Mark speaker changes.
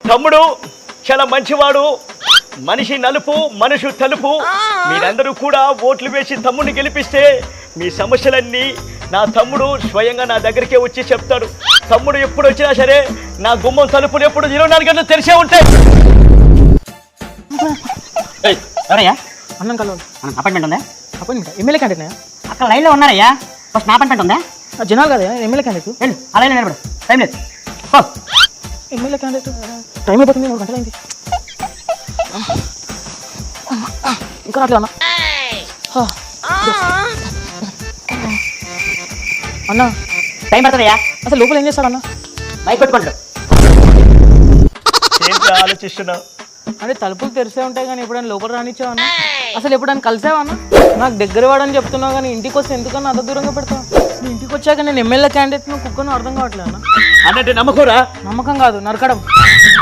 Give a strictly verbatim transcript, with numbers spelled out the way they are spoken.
Speaker 1: తమ్ముడు చాలా మంచివాడు, మనిషి నలుపు మనుషు తలుపు. మీరందరూ కూడా ఓట్లు వేసి తమ్ముడిని గెలిపిస్తే మీ సమస్యలన్నీ నా తమ్ముడు స్వయంగా నా దగ్గరికే వచ్చి చెప్తాడు. తమ్ముడు ఎప్పుడు వచ్చినా సరే నా గుమ్మం తలుపులు ఎప్పుడు ఇరవై నాలుగు గంటలు తెరిచే ఉంటాయి.
Speaker 2: ఎవరయ్యా?
Speaker 3: అన్నం కలవాలి.
Speaker 2: అపాయింట్మెంట్ ఉందా?
Speaker 3: అపాయింట్మెంట్ ఎమ్మెల్యే క్యాండిడేట్
Speaker 2: అక్కడ లైన్లో ఉన్నారయ్యా. ఫస్ట్ నా అపాయింట్మెంట్ ఉందా?
Speaker 3: జనాలు కదా ఎమ్మెల్యే క్యాండిడేట్.
Speaker 2: వెళ్ళు ఆ లైన్లో నిలబడు, టైం లేదు. ఓ
Speaker 3: ఎమ్మెల్యే క్యాండిడేట్ టైం అయిపోతుంది, మూడు గంటలు అయింది. ఇంకా రాట్లే అన్న. అన్న
Speaker 2: టైం పడుతుందయ్యా.
Speaker 3: అసలు లోపల ఏం చేస్తాడు అన్న?
Speaker 2: బైక్ కొట్టుకుంటాడు.
Speaker 1: ఏంటి ఆలోచిస్తున్నావు?
Speaker 3: అంటే తలుపులు తెరిసే ఉంటాయి కానీ ఎప్పుడైనా లోపల రానిచ్చావు అన్న? అసలు ఎప్పుడైనా కలిసావా అన్న? నాకు దగ్గర వాడని చెప్తున్నావు కానీ ఇంటికి వస్తే ఎందుకన్నా అంత దూరంగా పెడతావు? నీ ఇంటికి వచ్చాక నేను ఎమ్మెల్యే క్యాండిడేట్ నువ్వు కుక్కను అర్థం కావట్లేదు అన్న.
Speaker 1: అన్నట్టు నమ్మకూరా?
Speaker 3: నమ్మకం కాదు, నరకడం.